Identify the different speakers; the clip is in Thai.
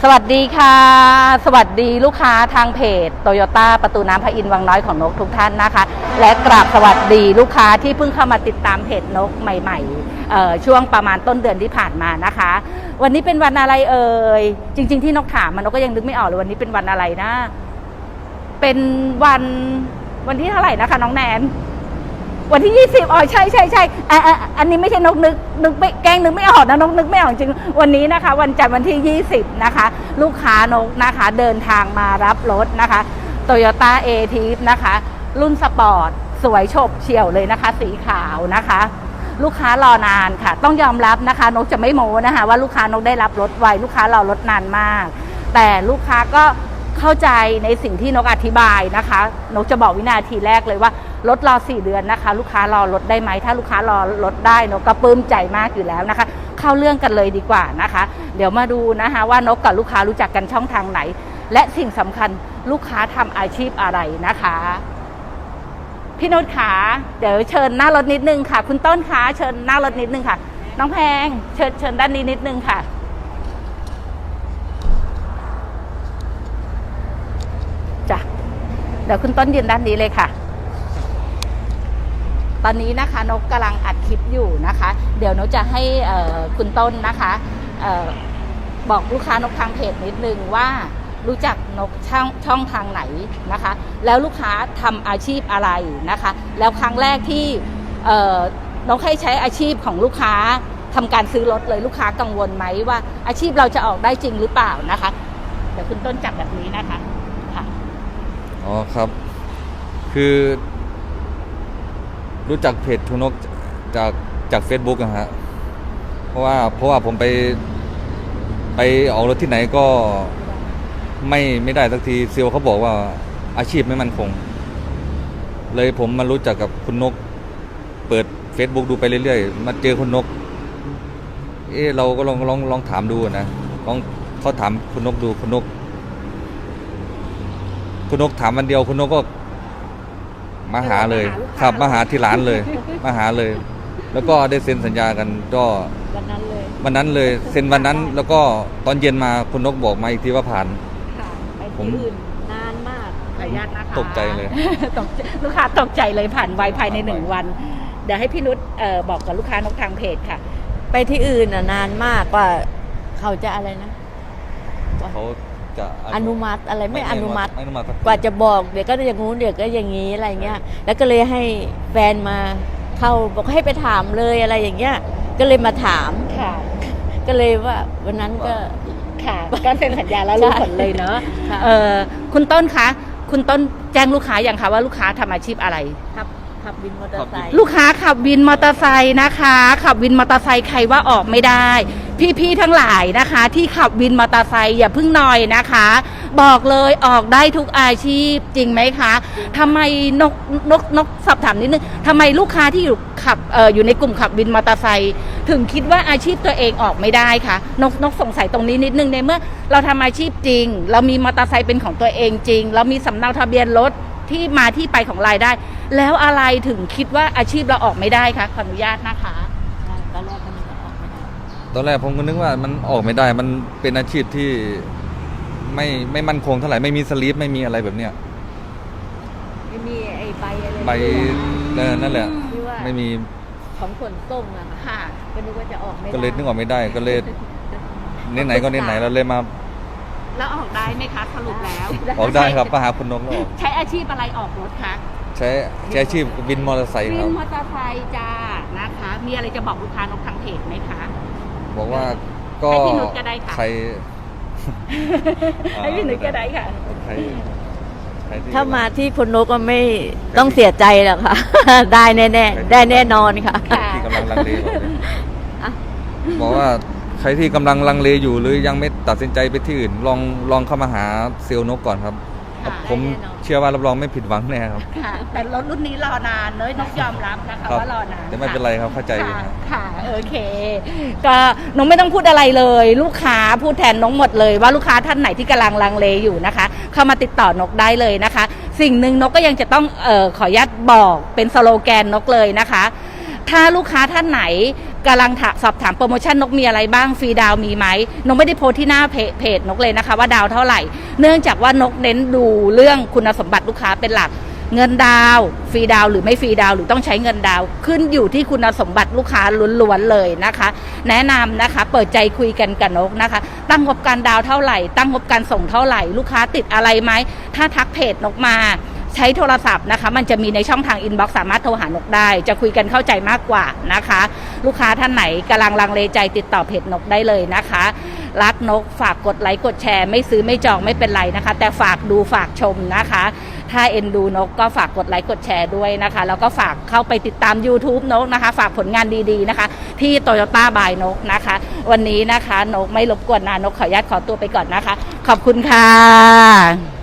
Speaker 1: สวัสดีค่ะสวัสดีลูกค้าทางเพจโตโยต้าประตูน้ำพระอินทร์วังน้อยของนกทุกท่านนะคะและกราบสวัสดีลูกค้าที่เพิ่งเข้ามาติดตามเพจนกใหม่ๆช่วงประมาณต้นเดือนที่ผ่านมานะคะวันนี้เป็นวันอะไรเอ่ยจริงๆที่นกถามมันนกก็ยังนึกไม่ออกเลยวันนี้เป็นวันอะไรนะเป็นวันที่เท่าไหร่นะคะน้องแนนวันที่20อ๋อใช่อันนี้ไม่ใช่นกนึกไม่แกล้งนึกไม่ออกนะนกนึกไม่ออกจริงวันนี้นะคะวันจันทร์วันที่20นะคะลูกค้านกนะคะเดินทางมารับรถนะคะ Toyota A-Tips นะคะรุ่นสปอร์ตสวยโฉบเฉี่ยวเลยนะคะสีขาวนะคะลูกค้ารอนานค่ะต้องยอมรับนะคะนกจะไม่โม้นะคะว่าลูกค้านกได้รับรถไวลูกค้ารอรถนานมากแต่ลูกค้าก็เข้าใจในสิ่งที่นกอธิบายนะคะนกจะบอกวินาทีแรกเลยว่ารถรอ4 เดือนนะคะลูกค้ารอรถได้ไหมถ้าลูกค้ารอรถได้นกก็ปลื้มใจมากอยู่แล้วนะคะเข้าเรื่องกันเลยดีกว่านะคะเดี๋ยวมาดูนะคะว่านกกับลูกค้ารู้จักกันช่องทางไหนและสิ่งสำคัญลูกค้าทำอาชีพอะไรนะคะพี่นุชขาเดี๋ยวเชิญหน้ารถนิดนึงค่ะคุณต้นขาเชิญหน้ารถนิดนึงค่ะน้องแพงเชิญด้านนี้นิดนึงค่ะจ้ะเดี๋ยวคุณต้นยืนด้านนี้เลยค่ะตอนนี้นะคะนกกำลังอัดคลิปอยู่นะคะเดี๋ยวนกจะให้คุณต้นนะคะบอกลูกค้านกทางเพจนิดนึงว่ารู้จักนกช่องทางไหนนะคะแล้วลูกค้าทำอาชีพอะไรนะคะแล้วครั้งแรกที่นกให้ใช้อาชีพของลูกค้าทำการซื้อรถเลยลูกค้ากังวลไหมว่าอาชีพเราจะออกได้จริงหรือเปล่านะคะเดี๋ยวคุณต้นจับแบบนี้นะคะค่ะ
Speaker 2: อ๋อครับคือรู้จักเพจทุนกจาก Facebook นะฮะเพราะว่าผมไปออกรถที่ไหนก็ไม่ได้สักทีเซลล์เขาบอกว่าอาชีพไม่มั่นคงเลยผมมารู้จักกับคุณนกเปิด Facebook ดูไปเรื่อยๆมาเจอคุณนกเราก็ลองถามดูนะเขาถามคุณนกดูคุณนกถามวันเดียวคุณนกก็มาหาเลยครับมาหาที่ร้านเลยมาหาเลยแล้วก็ได้เซ็นสัญญากันก็วันนั้นเลยเซ็นวันนั้นแล้วก็ตอนเย็นมาคุณนกบอกมาอีกทีว่าผ่าน
Speaker 1: ผมนานมากขออนุญาตนะคะ
Speaker 2: ตกใจเลย
Speaker 1: ลูกค้าตกใจเลยผ่านไวภายใน1 วันเดี๋ยวให้พี่นุชบอกกับลูกค้านกทางเพจค่ะ
Speaker 3: ไปที่อื่นนานมากกว่าเขาจะอะไรนะ
Speaker 2: เขาจะ
Speaker 3: อนุมัติอะไรไม่อนุมัติกว่าจะบอกเดี๋ยวก็อย่างงู้นเดี๋ยวก็อย่างนี้อะไรเงี้ยแล้วก็เลยให้แฟนมาเข้าบอกให้ไปถามเลยอะไรอย่างเงี้ยก็เลยมาถาม
Speaker 1: ค่ะ
Speaker 3: ก็เลยว่าวันนั้นก็
Speaker 1: ค่ะก็เซ็นสัญญาแล้วรู้ผลเลยเนาะคุณต้นคะคุณต้นแจ้งลูกค้าอย่างคะว่าลูกค้าทำอาชีพอะไร
Speaker 3: ขับวินมอเตอร์ไซค์
Speaker 1: ลูกค้าขับวินมอเตอร์ไซค์นะคะขับวินมอเตอร์ไซค์ใครว่าออกไม่ได้พี่ทั้งหลายนะคะที่ขับวินมอเตอร์ไซค์อย่าเพิ่งนอยนะคะบอกเลยออกได้ทุกอาชีพจริงไหมคะทำไมนกสอบถามนิดนึงทำไมลูกค้าที่อยู่ในกลุ่มขับวินมอเตอร์ไซค์ถึงคิดว่าอาชีพตัวเองออกไม่ได้คะนกสงสัยตรงนี้นิดนึงในเมื่อเราทำอาชีพจริงเรามีมอเตอร์ไซค์เป็นของตัวเองจริงเรามีสำเนาทะเบียนรถที่มาที่ไปของรายได้แล้วอะไรถึงคิดว่าอาชีพเราออกไม่ได้คะขออนุญาตนะคะ
Speaker 3: ตอนแรกมันออกไม่ได้
Speaker 2: ตอนแรกผมก็นึกว่ามันออกไม่ได้มันเป็นอาชีพที่ไม่มั่นคงเท่าไหร่ไม่มีสลิปไม่มีอะไรแบบเนี้ย
Speaker 3: ไม่มีไอ้ใบอะไร
Speaker 2: ใบนั่นแหละไม่มี
Speaker 3: ของขนส่งอะค่ะก็นึกว่าจะออกไม่ได้
Speaker 2: ก็เลยนึกออกไม่ได้ก็เลยไหนก็ไหนเราเลยมา
Speaker 1: แล้วออกได้ไหมคะสรุปแล้ว
Speaker 2: ออกได้ครับมาหาคุณนกแล้ว
Speaker 1: ใช้อาชีพอะไรออกรถคะ
Speaker 2: ใช้อาชีพวินมอเตอร์ไซค์ครับ
Speaker 1: วินมอเตอร์ไซค์จ้านะคะมีอะไรจะบอกลูกค้านกทางเพจไหมคะ
Speaker 2: บอกว่าก็
Speaker 1: ให้พี่นุชก็ได้ค่ะ
Speaker 2: ใคร
Speaker 1: ให้พี่นุชก็ได้ค่ะ
Speaker 3: ถ้ามาที่คุณนกก็ไม่ต้องเสียใจหรอกค่ะได้แน่ๆได้แน่นอนค่ะ
Speaker 2: ที่กำลังลังเลบอกว่าใครที่กำลังลังเลอยู่หรือยังไม่ตัดสินใจไปที่อื่นลองเข้ามาหาเซลล์นกก่อนครับผมเชื่อว่ารับรองไม่ผิดหวังแน่ครับ
Speaker 1: แต่รถรุ่นนี้รอนานเลยนกยอมรับนะคะว่ารอนาน
Speaker 2: แต่ไม่เป็นไรครับเข้าใจ
Speaker 1: ค่ะโอเคก็นกไม่ต้องพูดอะไรเลยลูกค้าพูดแทนนกหมดเลยว่าลูกค้าท่านไหนที่กำลังลังเลอยู่นะคะเข้ามาติดต่อนกได้เลยนะคะสิ่งหนึ่งนกก็ยังจะต้องขออนุญาตบอกเป็นสโลแกนนกเลยนะคะถ้าลูกค้าท่านไหนกำลังสอบถามโปรโมชั่นนกมีอะไรบ้างฟรีดาวมีไหมนกไม่ได้โพสที่หน้าเพจนกเลยนะคะว่าดาวเท่าไหร่เนื่องจากว่านกเน้นดูเรื่องคุณสมบัติลูกค้าเป็นหลักเงินดาวฟรีดาวหรือไม่ฟรีดาวหรือต้องใช้เงินดาวขึ้นอยู่ที่คุณสมบัติลูกค้าล้วนๆเลยนะคะแนะนำนะคะเปิดใจคุยกันกับนกนะคะตั้งงบการดาวเท่าไหร่ตั้งงบการส่งเท่าไหร่ลูกค้าติดอะไรไหมถ้าทักเพจนกมาใช้โทรศัพท์นะคะมันจะมีในช่องทางอินบ็อกซ์สามารถโทรหานกได้จะคุยกันเข้าใจมากกว่านะคะลูกค้าท่านไหนกำลังลังเลใจติดต่อเพจนกได้เลยนะคะรักนกฝากกดไลค์กดแชร์ไม่ซื้อไม่จองไม่เป็นไรนะคะแต่ฝากดูฝากชมนะคะถ้าเอ็นดูนกก็ฝากกดไลค์กดแชร์ด้วยนะคะแล้วก็ฝากเข้าไปติดตาม YouTube นกนะคะฝากผลงานดีๆนะคะที่ Toyota by นกนะคะวันนี้นะคะนกไม่รบกวนนานกขออนุญาตขอตัวไปก่อนนะคะขอบคุณค่ะ